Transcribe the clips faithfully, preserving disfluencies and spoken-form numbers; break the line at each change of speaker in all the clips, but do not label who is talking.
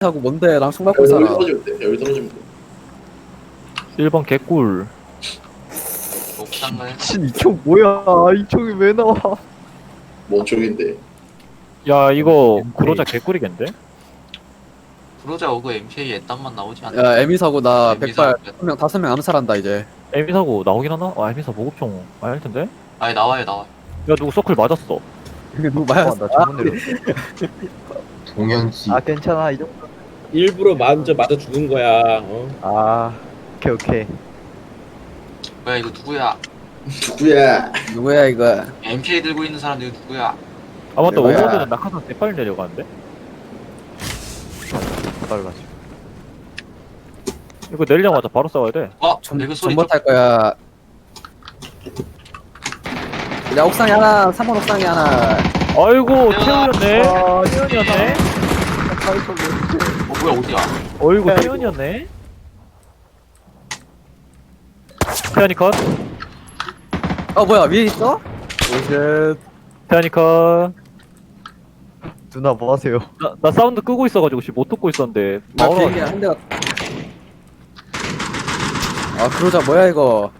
하고 뭔데 랑 총 받고
여기
살아.
떨어지면 돼. 여기 떨어지면 돼.
일 번 개꿀.
옥상을
미친 이 총 뭐야? 이 총이 왜 나와?
뭔 쪽인데?
야 이거 구로자 개꿀이겠는데?
브로자 오그 엠케이 애딴만 나오지 않나?
야 에미 사고 나
에미
백발
사고.
한 명 다섯 명 암살한다 이제.
에미 사고 나오긴 하나? 아 에미 사 보급총 많이 할 텐데?
아니 나와요 나와.
야 누구 서클 맞았어.
이게 누구
아,
맞았어?
나 잘못 내렸어.
동현씨
아 괜찮아 이 정도.
일부러 먼저 맞아 죽은 거야. 어?
아 오케이 오케이.
뭐야 이거 누구야?
누구야?
누구야 이거?
엠케이 들고 있는 사람 이거 누구야?
아 맞다
뭐야?
오버드는 낙하산 대빨리 내려가는데?
달라지.
이거 내리자마자 바로 싸워야 돼.
어?
전
이거 소리
전봇 할 거야. 야 옥상에 하나, 삼 번 옥상에 하나.
아이고
태연아.
태연이었네.
아,
태연이었네.
어 뭐야 어디야?
어이구 태연이었네. 태연이 컷.
어 뭐야 위에 있어?
오쉣.
태연이 컷.
누나 뭐 하세요?
나, 나 사운드 끄고 있어가지고 씨 못 듣고 있었는데
나
나오라.
비행기 한 대가. 아 그러자 뭐야 이거?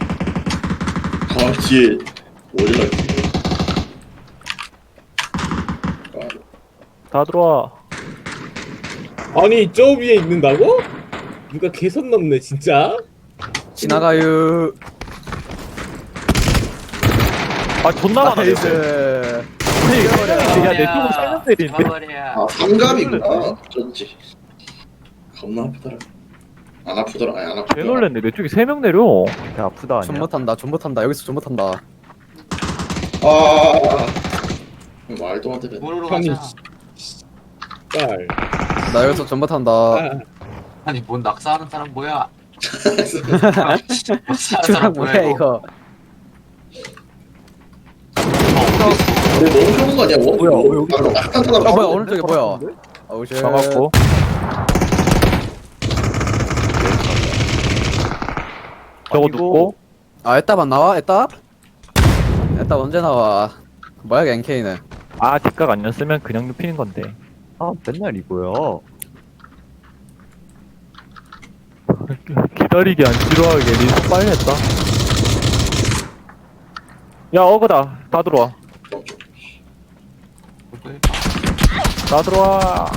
아 뒤에 어디가 있지? 아,
다 들어와.
아니 저 위에 있는다고? 누가 개선 넘네 진짜.
지나가요.
아 존나 많아.
나이스.
야, 내 쪽은 세명 때리는데?
잡아버려.
아 삼갑이구나. 어쩐지. 겁나 아프더라. 안 아프더라. 아니 안 아프더라.
개 놀랬네. 내 쪽에 세 명 내려.
야 아프다 아니야?
존 못한다. 존 못한다. 여기서 존 못한다.
아 말도 안 되네.
뭐로
형이
가자.
딸.
나 여기서 존 못한다.
아,
아니 뭔 낙사하는 사람 뭐야? 낙사하는
저랑
사람
뭐야
뭐야 이거?
이거?
너 너무 좋은 거 아니야? 뭐?
뭐야, 왜 여기
아, 낙한 사람
아 뭐야
아무도
오른쪽에 뭐야? 아우 쉣.
잡았고. 저거
아이고.
눕고.
아 에따 안 나와? 에따? 에따 언제 나와? 뭐야 이게 엔케이는?
아 뒷각 아니었으면 그냥 눕히는 건데.
아 맨날 이거야.
기다리기 안 지루하게 리스 빨리 했다. 야 어그다. 다 들어와. 다 들어와.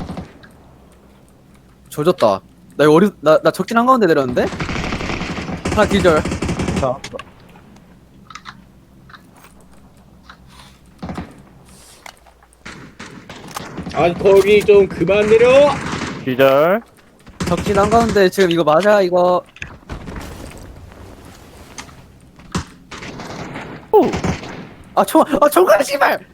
조졌다. 나 이거 어리 나나 적진 한 가운데 내렸는데? 하나 기절.
자,
아니 거기 좀 그만 내려.
기절.
적진 한 가운데 지금 이거 맞아 이거?
오.
아 총, 아 총알 씨발!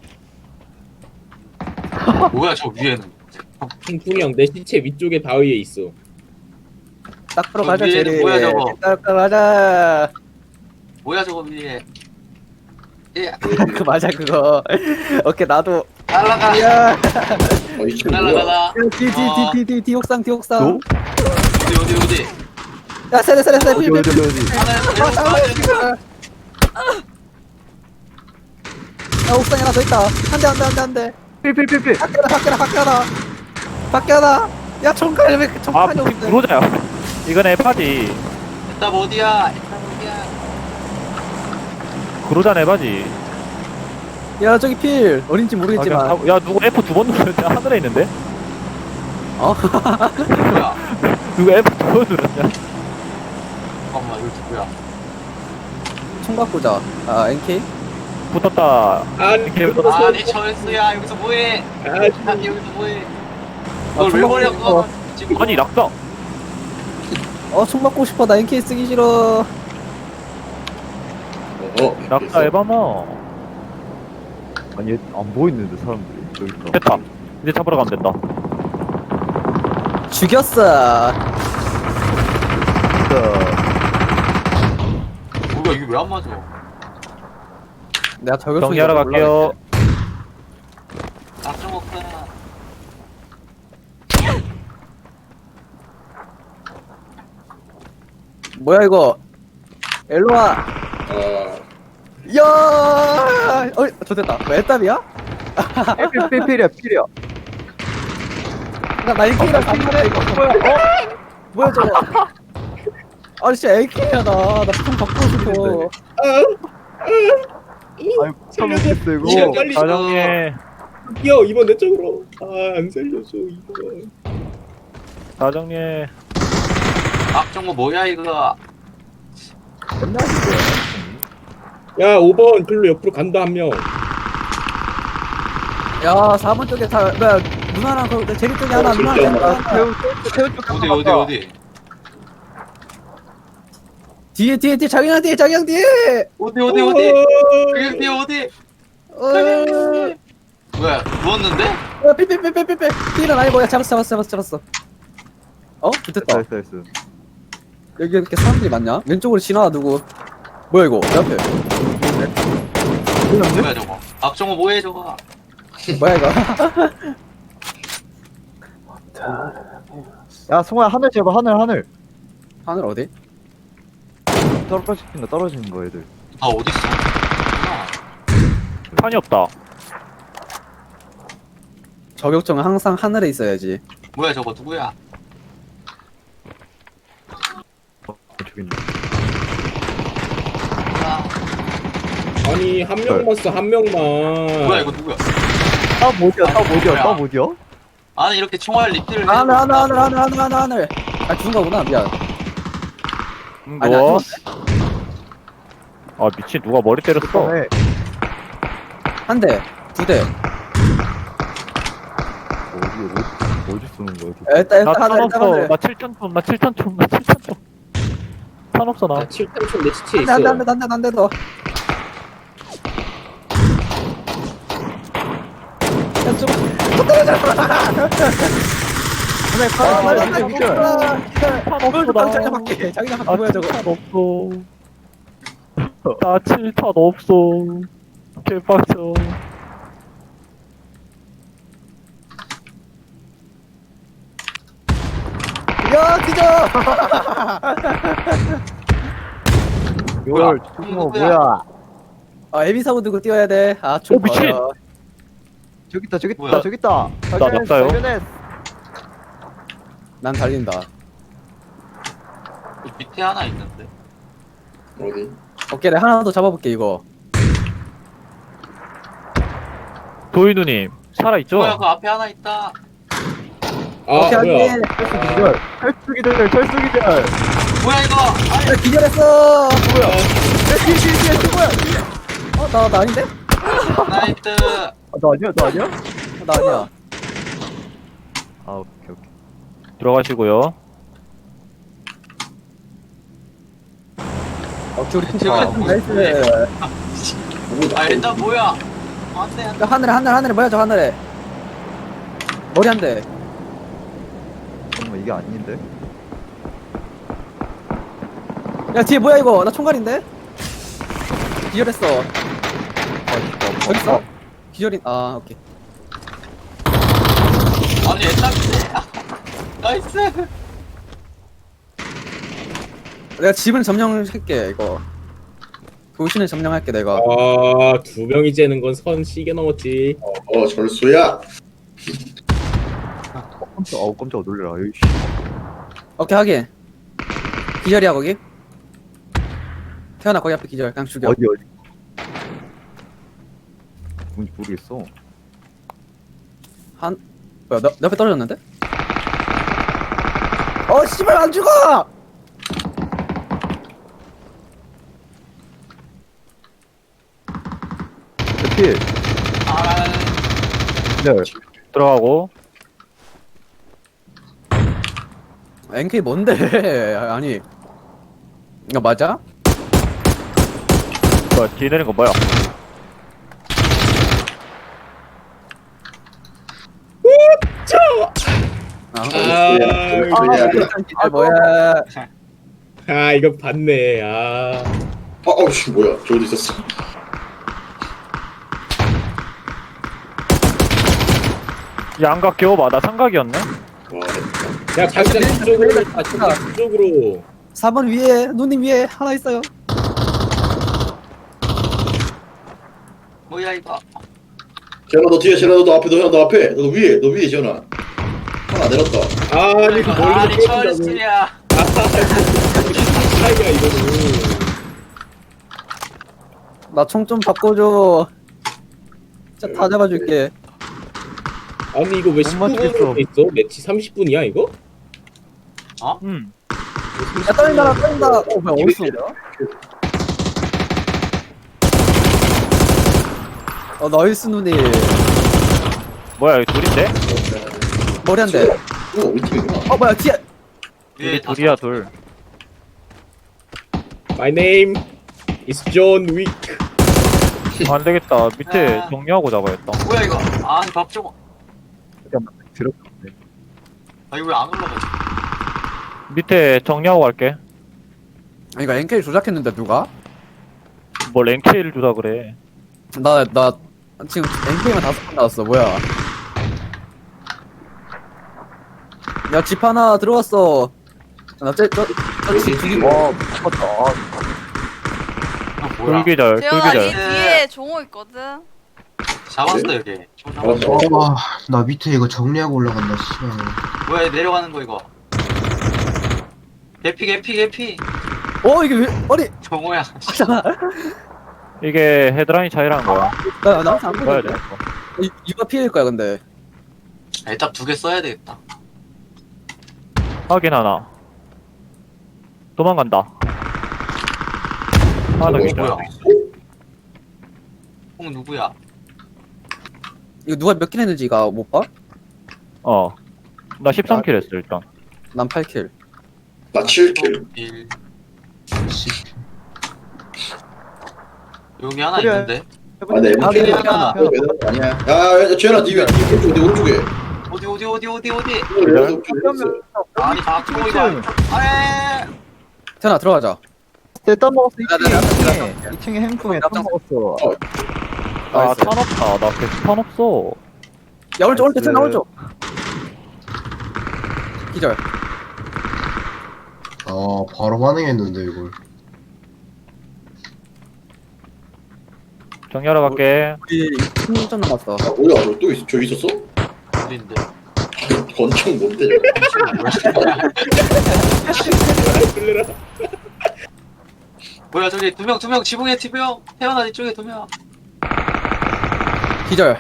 뭐야 저 위에는?
풍풍이 형 내 시체 위쪽에 바위에 있어.
딱 들어가자
저 위에는
제리.
뭐야, 저거?
딱 들어가자.
뭐야 저거 위에? 예
그 맞아 그거. 오케이 나도.
날라가.
야.
어, 이 친구 뭐야?
날라가라.
뒤뒤뒤뒤뒤 뒤 옥상 뒤 옥상.
너?
어디 어디 어디?
야 세대 세대 세대.
어디 어디 어디 어디.
하나
야 옥상에 하나 더 있다. 한대 한 대 한 대 한 대.
필필필필.
밖에다 밖에다 밖에다. 밖에다. 야 총칼 왜
아
총칼이
무슨
없네.
구로자야. 이건 에바지.
에따 어디야? 에따 어디야?
구로자 에바지.
야 저기 필 어딘지 모르겠지만.
아, 그냥 가- 야 누구 에프 두 번 눌렀냐? 하늘에 있는데?
어?
뭐야?
누구 에프 두 번 눌렀냐?
잠깐만 이거 누구야?
총 바꾸자. 아 엔케이?
붙었다.
아니
이렇게
그거
아니 철수야 여기서 뭐해?
아,
아니 여기서 뭐해?
아,
널왜
총
버려?
바꾸고
지금
아니 낙사.
어총 바꾸고 싶어. 나 엔케이 쓰기 싫어.
어,
낙사 에바마.
아니 안 보이는데 사람들이 여기 있다.
됐다. 이제 잡으러 가면 된다.
죽였어.
진짜
뭐야 이게 왜 안 맞아?
내가 저격
정리하러 갈게요.
낙좀 먹자.
뭐야 이거? 일로 와.
아,
야! 어, 저 됐다. 뭐 애답이야?
필필필이야 필이야.
나 에이케이랑 반말해 이거 뭐야? 어? 뭐야 저거? 아니 진짜 에이케이야 나. 나 좀 바꾸고 싶어.
아이 못하겠어 이거.
이거 빨리
사정예
뛰어 이번 내 쪽으로. 아 안 살려줘 이번.
사정예
악정모 뭐야 이거?
맨날 이거야.
야 오 번 글로 옆으로 간다 한 명.
야 사 번 쪽에 다 뭐야 누나랑 그 제리 쪽에 하나
어,
누나랑
진짜
제리
나-
하나.
태우 태우 쪽
어디 어디 어디?
뒤에 뒤에 뒤에 자기랑 뒤에 자기랑 뒤에.
어디 어디 어디? 그게 어디?
어.
뭐야 누웠는데?
야 삐삐삐삐삐삐. 뒤는 아니 뭐야 잡았어 잡았어 잡았어 잡았어. 어? 붙었다.
나이스 나이스.
여기 이렇게 사람들이 많냐? 왼쪽으로 지나가 누구? 뭐야 이거? 내 앞에.
뭐야 저거? 악정모 뭐해 저거?
뭐야 이거?
야 송아야 하늘 제발 하늘 하늘.
하늘 어디?
떨어지는 거 떨어지는 거 애들.
아 어디 있어? 아,
판이 없다.
저격총은 항상 하늘에 있어야지.
뭐야 저거 누구야?
어, 저기 있네.
아,
아니 한 명만 써 한 명만.
뭐야 이거 누구야?
아 뭐지야 아 뭐지야 아 뭐지야?
아니 이렇게 총알 리필을
아, 하늘
해놓고
하늘 하늘 하늘 하늘 하늘 하늘. 아 죽은 거구나 미안.
음,
아니 안
누워.
죽었네.
아 미친 누가 머리 때렸어.
네.
한 대, 두 대.
어디 어디 어디 쏘는 거야?
야, 일단
나
일단
탄
하늘 일단
없어.
하늘.
나 칠탄 총. 나 칠탄 총. 나 칠탄 총. 탄 없어 나.
나 칠 탄총 내 시체에
한대
있어.
한대 한대 한대 한대 더. 야 좀. 또 떨어져.
하늘
아,
파
맞아,
하늘
맞아,
미쳐.
맞아.
탄 없어
뭘
나.
자기장 밖에 자기장 밖에
아
뭐야 저거?
칠탄 없어. 나 칠탄 없어. 개빡쳐.
야 기절.
열 죽어 뭐야?
아 에비 사고 들고 뛰어야 돼. 아좀
오, 미친!
저기 있다 저기
뭐야?
있다 저기 있다.
나 낙사요?
난 달린다.
그 밑에 하나 있는데.
어디?
오케이 내가 하나 더 잡아볼게 이거.
도희 누님 살아 있죠?
뭐야 그 앞에 하나 있다.
아
오케이
뭐야?
하긴.
기절. 철수기들 철수기들.
뭐야 이거? 아니
야 기절했어. 뭐야? 야 뒤에 뒤에 뒤에 뒤에 뭐야? 어나 나 아닌데?
나이트.
아, 너 아니야 너 아니야?
어, 나 아니야.
아 오케이 오케이.
들어가시고요.
오케이 우리 팀
제발.
아, 나이스.
아 일단 뭐야? 안돼 안돼.
야, 하늘에 하늘 하늘에 뭐야 저 하늘에. 머리 한 대.
잠깐만 이게 아닌데?
야 뒤에 뭐야 이거? 나 총갈인데? 기절했어.
아
어디 있어? 기절인. 아 오케이.
아니 옛날인데. 나이스.
내가 집은 점령할게 이거. 도시는 점령할게 내가.
아두 명이 재는 건 선 시계 넘었지.
어 절수야.
깜짝 아우 깜짝 놀래라. 여기
오케이 하긴. 기절이야 거기? 태어나 거기 앞에 기절. 그냥 죽여.
어디 어디? 뭔지 모르겠어.
한 뭐야 너, 내 앞에 떨어졌는데? 어 씨발 안 죽어!
필.
아
네.
들어가고.
엔케이 뭔데? 아니 이거 맞아?
뭐야 뒤에 내린 거 뭐야?
아,
절수야. 절수야.
아 뭐야?
아 이거 봤네. 아
어, 어우씨 뭐야? 저 어디 있었어?
양각 겨워봐. 나 삼각이었네.
와,
야 자기장 뒤쪽으로 아 자기장 뒤쪽으로.
사 번 위에 누님 위에 하나 있어요.
뭐야 이거?
재현아 너 뒤에, 재현아 너 앞에, 너, 너 앞에, 너 위에, 너 위에 재현아. 하나 내렸다.
아니 그 멀리
아니
쏜다고.
철수야.
아 차이야 이거는.
나 총 좀 바꿔줘. 진짜 다 잡아줄게.
아니 이거 왜
못
십구
맞추겠어.
분으로 돼 있어? 매치 삼십 분이야 이거?
응.
야 떨린다 떨린다. 어 뭐야 어디서 온 거야? 어 나이스 누님.
뭐야, 이거 둘인데?
머리 한 대.
오, 우리 팀이구나.
어 뭐야 뒤에.
위에
우리
다
둘이야, 둘.
My name is John Wick.
안 되겠다. 밑에
아.
정리하고 잡아야겠다.
뭐야 이거? 아니 박정호.
들었네.
아 이거 왜 안 올라가지?
밑에 정리하고 갈게.
아니 이거 엔케이 조작했는데 누가?
뭐 랭케이를 주다 그래.
나 나 지금 엔케이만 다섯 번 나왔어. 뭐야? 야 집 하나 들어왔어. 나저저집 죽이고.
와, 미쳤다. 아,
아 뭐야?
돌기절,
재현아, 이
돌기절.
뒤에 종호 있거든.
잡았어 여기. 총 잡았어.
알았어.
와, 나 밑에 이거 정리하고 올라간다, 씨발.
뭐야 얘 내려가는 거 이거. 개피 개피 개피.
어 이게 왜 아니
정호야.
이게 헤드라인 차이라는 거야.
나 나한테 안
봐야
보여.
돼.
이- 이거 피해일 거야 근데.
일단 두 개 써야 되겠다.
확인 하나. 도망간다. 하나 더
어,
기절.
뭐야? 형 누구야?
이거 누가 몇 킬 했는지 이거 못 봐?
어. 나 십삼 킬 했어, 일단.
난 팔 킬.
나 칠 킬.
일.
씨.
여기 하나
그래.
있는데.
아, 네,
아,
킬.
네,
아,
하나.
아니야. 야, 야, 지현아, 니 왜, 니 오른쪽, 니 오른쪽에.
어디 어디 어디 어디 어디?
오른쪽에 있어.
아니 박정호 이거. 아니. 아에.
태연아 들어가자.
떼따 먹었어.
나, 나, 나, 나, 나, 나.
이 층에 행풍에
나,
땀
나,
먹었어.
아,
나이스.
탄 없다. 나 계속 탄 없어.
야 오른쪽 오른쪽 태연아
나이스.
오른쪽. 기절.
아, 바로 반응했는데, 이걸.
정리하러 갈게.
우리 십 점 남았어.
아, 뭐야, 너 또 있어? 저기 있었어?
어딘데?
권총 뭔데, 저거?
끌려라.
뭐야 저기 두 명 두 명 지붕에 두 명. 태어나 이쪽에 두 명.
기절.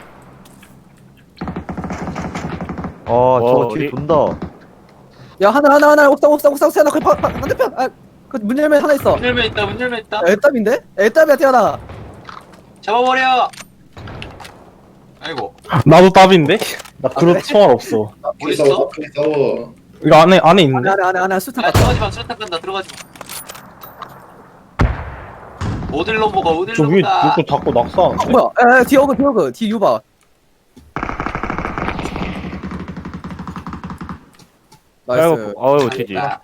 아, 저거
어디?
뒤에 돈다.
야 하나 하나 하나 옥상 옥상 옥상 태연아 그 바- 바- 반대편. 아그문 열면 하나 있어.
문 열면 있다 문 열면 있다.
애답인데? 애답이야 태연아.
잡아버려. 아이고
나도 답인데? 나
그래?
그런 총알 없어.
어디
싸워,
있어?
앞에 싸워.
이거 안에 안에
안에
있는데?
안에 안에 안에 수탄
야
갔다.
들어가지 마 수류탄 간다 들어가지 마. 어딜 넘어가 어딜
저 위에
넘어가.
누구 자꾸
어,
낙사하는데?
뭐야? 에 뒤에 오그 뒤에 오그 뒤에 유봐. 나이스.
아이고, 아유, 지지.
아,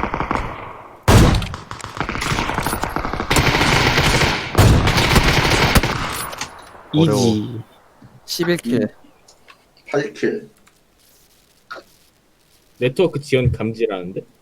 이지.
십일 킬.
팔 킬.
네트워크 지연 감지라는데?